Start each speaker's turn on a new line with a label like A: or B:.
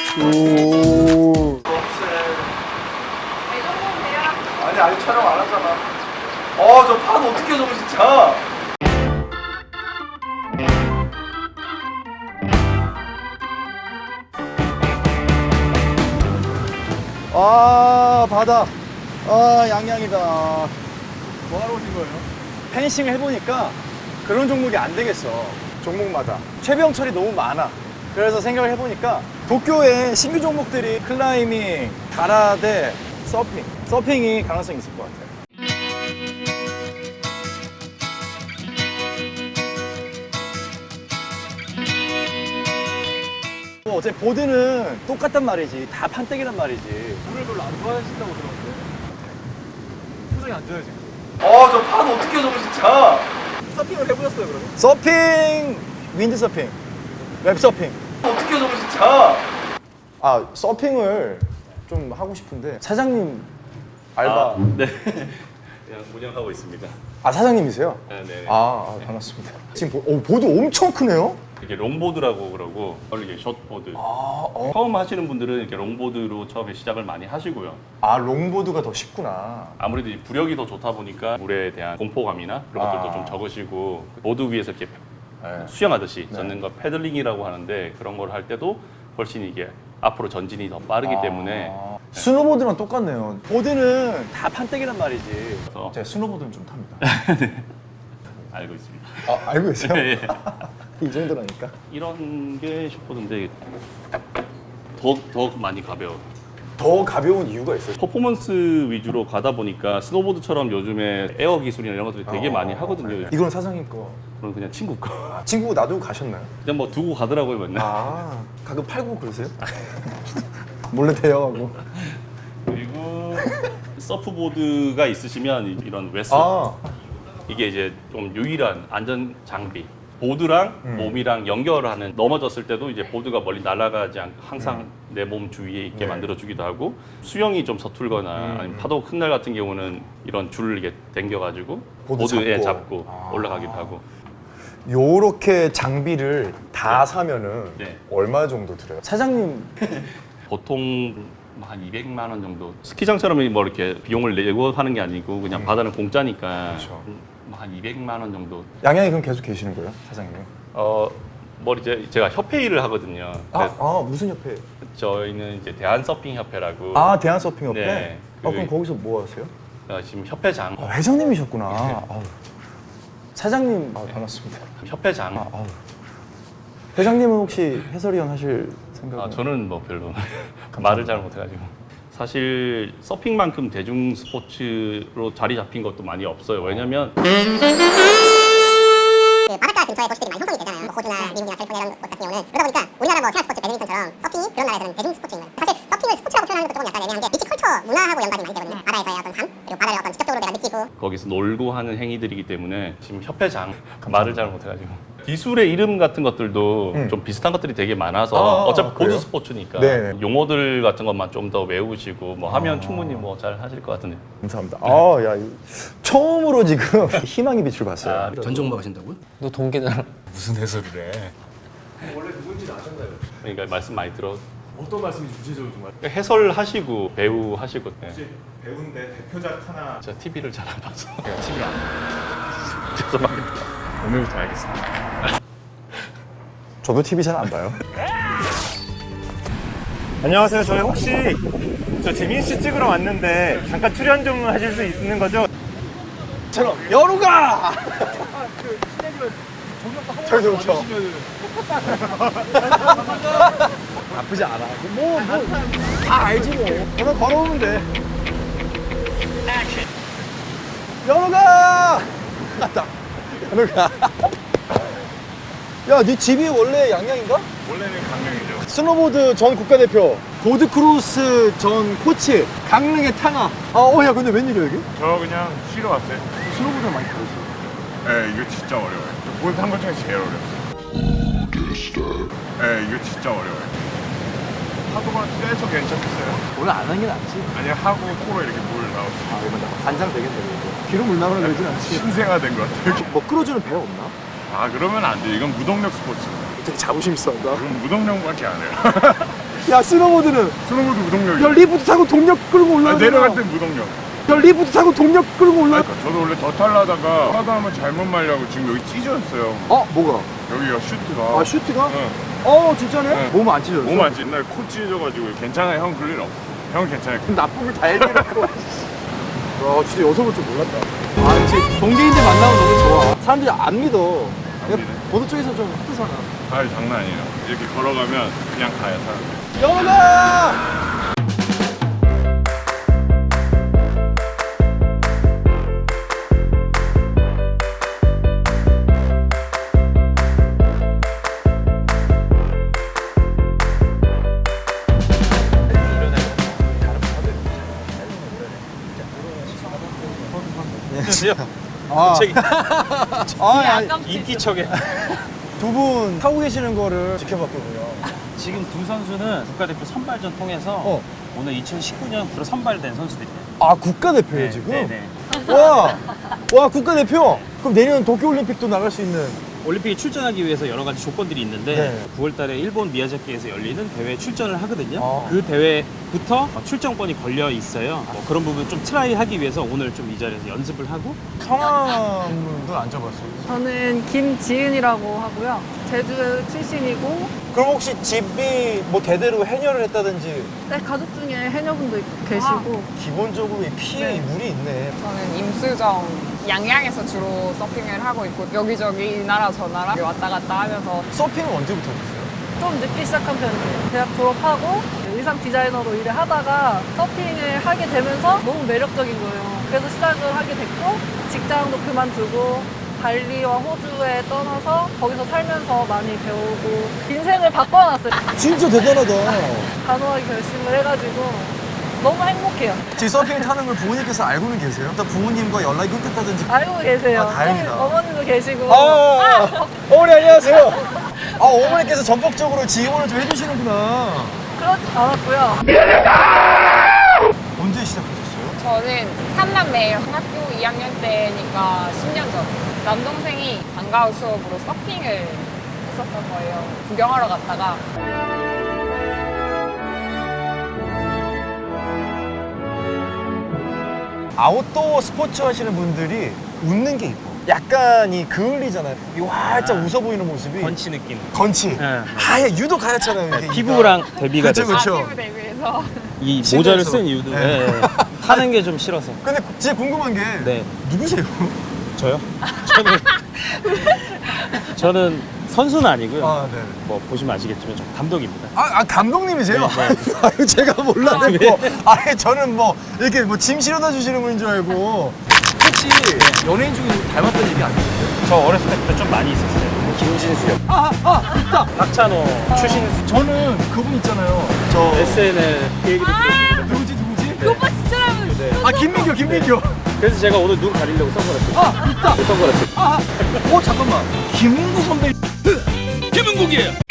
A: 오.
B: 아니 촬영 안 하잖아. 저 판 어떻게 저거 진짜.
A: 아, 바다. 아, 양양이다.
B: 뭐 하러 오신 거예요?
A: 펜싱을 해보니까 그런 종목이 안 되겠어. 종목마다. 최병철이 너무 많아. 그래서 생각을 해보니까 도쿄에 신규 종목들이 클라이밍, 가라데, 서핑. 서핑이 가능성이 있을 것 같아요. 어차피 보드는 똑같단 말이지. 다 판때기란 말이지.
B: 물을 별로 안 좋아하신다고 들었는데. 표정이 안 좋아요 지금. 저 판 어떻게 저거 진짜. 서핑을 해보셨어요 그러면?
A: 서핑, 윈드서핑, 웹서핑.
B: 어떻게 저거 진짜.
A: 아, 서핑을 좀 하고 싶은데 사장님 알바.
C: 네. 그냥 운영하고 있습니다.
A: 아, 사장님이세요?
C: 네.
A: 반갑습니다. 지금 보드 엄청 크네요?
C: 이게 롱보드라고 그러고 이게 숏보드.
A: 아,
C: 처음 하시는 분들은 이렇게 롱보드로 처음에 시작을 많이 하시고요.
A: 롱보드가 더 쉽구나.
C: 아무래도 이 부력이 더 좋다 보니까 물에 대한 공포감이나 그런 것들도 좀 적으시고 보드 위에서 이렇게
A: 네.
C: 수영하듯이 젓는 거 패들링이라고 하는데 그런 걸 할 때도 훨씬 이게 앞으로 전진이 더 빠르기 때문에
A: 스노보드랑 똑같네요. 보드는 다 판때기란 말이지.
C: 그래서
A: 제가 스노보드는 좀 탑니다.
C: 알고 있습니다.
A: 알고 계세요?
C: 예.
A: 이 정도라니까.
C: 이런 게 숏보드인데 더 많이 가벼워.
A: 더 가벼운 이유가 있어요.
C: 퍼포먼스 위주로 가다 보니까 스노보드처럼 요즘에 에어 기술이나 이런 것들이 되게 많이 하거든요.
A: 이건 사장님 거.
C: 그럼 그냥 친구 거.
A: 친구 놔두고 가셨나요?
C: 그냥 뭐 두고 가더라고요 맨날.
A: 가끔 팔고 그러세요? 몰래 대여하고.
C: 그리고 서프보드가 있으시면 이런 웨스 이게 이제 좀 유일한 안전 장비. 보드랑 몸이랑 연결하는 넘어졌을 때도 이제 보드가 멀리 날아가지 않고 항상 내 몸 주위에 있게 만들어주기도 하고 수영이 좀 서툴거나 아니면 파도 큰 날 같은 경우는 이런 줄을 이렇게 당겨가지고 보드에 잡고 올라가기도 하고.
A: 요렇게 장비를 다 사면은
C: 네.
A: 얼마 정도 들어요? 사장님
C: 보통 한 200만 원 정도. 스키장처럼 뭐 이렇게 비용을 내고 하는 게 아니고 그냥 바다는 공짜니까
A: 그렇죠.
C: 한 200만 원 정도.
A: 양양에 그럼 계속 계시는 거예요, 사장님?
C: 뭐 이제 제가 협회 일을 하거든요.
A: 무슨 협회?
C: 저희는 이제 대한서핑협회라고.
A: 대한서핑협회?
C: 네.
A: 그럼 거기서 뭐 하세요?
C: 지금 협회장.
A: 회장님이셨구나. 사장님 반갑습니다.
C: 협회장.
A: 회장님은 혹시 해설위원 하실 생각은?
C: 저는 뭐 별로 말을 잘 못해가지고. 사실 서핑만큼 대중 스포츠로 자리 잡힌 것도 많이 없어요. 왜냐면
D: 그 바닷가 근처에 도시들이 많이 형성이 되잖아요. 뭐 호주나 미국이나 캘리포니아 이런 곳 같은 경우는 그러다 보니까 우리나라 뭐 생활 스포츠 배드민턴처럼 서핑이 그런 나라에서는 대중 스포츠인 거예요. 사실 서핑을 스포츠라고 표현하는 것도 조금 약간 애매한 게 비치 컬처 문화하고 연관이 많이 되거든요. 바다에서의 어떤 삶 그리고 바다를 어떤 직접적으로 내가 느끼고
C: 거기서 놀고 하는 행위들이기 때문에 지금 협회장 말을 잘 못해가지고 기술의 이름 같은 것들도 좀 비슷한 것들이 되게 많아서 어차피 보드
A: 그래요?
C: 스포츠니까
A: 네.
C: 용어들 같은 것만 좀 더 외우시고 뭐 하면 충분히 뭐 잘 하실 것 같은데.
A: 감사합니다. 처음으로 지금 희망의 빛을 봤어요.
E: 전종목 하신다고요?
F: 너 동계잖아.
E: 무슨 해설을 해?
B: 원래 누군지 아셨나요?
C: 그러니까 말씀 많이 들어.
B: 어떤 말씀인지 구체적으로 좀 알려주세요.
C: 해설하시고 배우 하시고. 네.
B: 혹시 배우인데 대표작 하나.
C: 제가 TV를 잘 안 봐서.
E: TV 안
C: 죄송합니다.
E: 오늘부터 알겠습니다.
A: 저도 TV 잘 안 봐요.
G: 안녕하세요. 저희 혹시 저 재민 씨 찍으러 왔는데 잠깐 출연 좀 하실 수 있는 거죠?
A: 처럼 여루가! 저기 좋죠. 나쁘지 않아. 다 알지 뭐. 그냥 걸어오면 돼. 여루가! 갔다. 여루가. 야, 네 집이 원래 양양인가?
G: 원래는 강릉이죠.
A: 스노보드 전 국가대표, 보드크로스 전 코치, 강릉의 탕아. 야, 근데 웬일이야, 여기?
G: 저 그냥 쉬러 왔어요.
A: 스노보드랑 많이 다르지.
G: 네, 이거 진짜 어려워요. 보드 한것 중에 제일 어려웠어요. 네, 이거 진짜 어려워요. 파도가 세서 괜찮겠어요?
A: 원래 안 하는 게 낫지.
G: 아니 하고 코로 이렇게 물 나오지.
A: 이거 간장 되겠네, 이거. 뒤로 물 나오는 되진 않지.
G: 신생아된 것 같아요.
A: 뭐 끌어주는 배가 없나?
G: 그러면 안 돼. 이건 무동력 스포츠.
A: 되게 자부심 있어.
E: 그럼 무동력밖에 안 해요.
A: 야, 스노보드는
E: 스노보드 무동력이.
A: 야, 리프트 타고 동력 끌고 올라가.
E: 내려갈 때 무동력.
A: 야, 리프트 타고 동력 끌고 올라가.
E: 그러니까 저도 원래 더 탈라다가 하다 하면 잘못 말려고 지금 여기 찢어졌어요.
A: 어, 뭐가?
E: 여기가 슈트가.
A: 아, 슈트가?
E: 응.
A: 어, 진짜네?
E: 네.
A: 몸 안 찢어졌어?
E: 몸 안 찢. 옛날에 코 찢어져가지고 괜찮아요. 형 그럴 일 없어. 형 괜찮아요.
A: 나쁨을 다 얘기해놓고. 와, 진짜 여성을 좀 몰랐다. 아, 역시 동계인들 만나면 너무 좋아. 사람들이 안 믿어.
E: 안 믿네.
A: 보도 쪽에서 좀 흩어잖아.
E: 아 장난 아니에요. 이렇게 걸어가면 그냥 가요 사람들.
A: 영원아! 아,
B: 인기척에.
A: 두 분 타고 계시는 거를 지켜봤거든요.
B: 지금 두 선수는 국가대표 선발전 통해서 오늘 2019년 프로 선발된 선수들이에요.
A: 아, 국가대표예요, 지금?
B: 네네.
A: 와, 국가대표? 그럼 내년 도쿄올림픽도 나갈 수 있는.
B: 올림픽에 출전하기 위해서 여러 가지 조건들이 있는데
A: 네.
B: 9월 달에 일본 미야자키에서 열리는 대회에 출전을 하거든요.
A: 아.
B: 그 대회부터 출전권이 걸려 있어요. 뭐 그런 부분 좀 트라이 하기 위해서 오늘 좀 이 자리에서 연습을 하고
A: 성함은 안 잡았어요.
F: 저는 김지은이라고 하고요. 제주 출신이고,
A: 그럼 혹시 집이 뭐 대대로 해녀를 했다든지
F: 네, 가족 중에 해녀분도 계시고,
A: 기본적으로 이 피에 이 물이 있네.
H: 저는 임수정 양양에서 주로 서핑을 하고 있고 여기저기 이 나라 저 나라 왔다 갔다 하면서
A: 서핑은 언제부터 하셨어요?
F: 좀 늦게 시작한 편이에요. 대학 졸업하고 의상 디자이너로 일을 하다가 서핑을 하게 되면서 너무 매력적인 거예요. 그래서 시작을 하게 됐고, 직장도 그만두고 발리와 호주에 떠나서 거기서 살면서 많이 배우고 인생을 바꿔놨어요.
A: 진짜 대단하다.
F: 단호하게 결심을 해가지고 너무 행복해요.
A: 지금 서핑 타는 걸 부모님께서 알고는 계세요? 일단 부모님과 연락이 끊겼다든지.
F: 알고 계세요.
A: 아, 다행이다.
F: 어머님도 계시고.
A: 어머니 안녕하세요. 아, 어머니께서 전폭적으로 지원을 좀 해주시는구나.
F: 그렇지 않았고요.
A: 언제 시작하셨어요?
H: 저는 3남매예요. 학교 2학년 때니까 10년 전 남동생이 방과후 수업으로 서핑을 했었던 거예요. 구경하러 갔다가
A: 아웃도어 스포츠 하시는 분들이 웃는 게 이뻐. 약간 이 그을리잖아요. 이 활짝 웃어 보이는 모습이.
B: 건치 느낌.
A: 건치.
B: 네.
A: 아예 유독 가르잖아요. 이게.
B: 피부랑 대비가
A: 그쵸,
B: 돼서
A: 그쵸.
H: 아티브 대비해서
B: 이
A: 실내에서.
B: 모자를 쓴 이유도
A: 네.
B: 하는 게 좀 싫어서.
A: 근데 진짜 궁금한 게
B: 네.
A: 누구세요?
B: 저요? 저는 선수는 아니고요.
A: 아, 네.
B: 뭐 보시면 아시겠지만 저 감독입니다.
A: 아, 감독님이세요?
B: 네, 네.
A: 아유, 제가 몰라듣고. 아니, 저는 뭐, 이렇게 뭐 짐 실어다 주시는 분인 줄 알고. 혹시 연예인 중에 닮았던 얘기 아니에요?
B: 저 어렸을 때부터 좀 많이 있었어요. 김진수요.
A: 있다!
B: 박찬호, 추신수.
A: 저는 그분 있잖아요. 저.
B: SNL 그 얘기도 들었습니다.
A: 누구지?
H: 그 오빠 진짜 닮은
B: 네.
A: 아, 김민교.
B: 그래서 제가 오늘 눈 가리려고 선글라스.
A: 있다!
B: 선글라스.
A: 잠깐만. 김은구 선배.
I: 김은국이에요.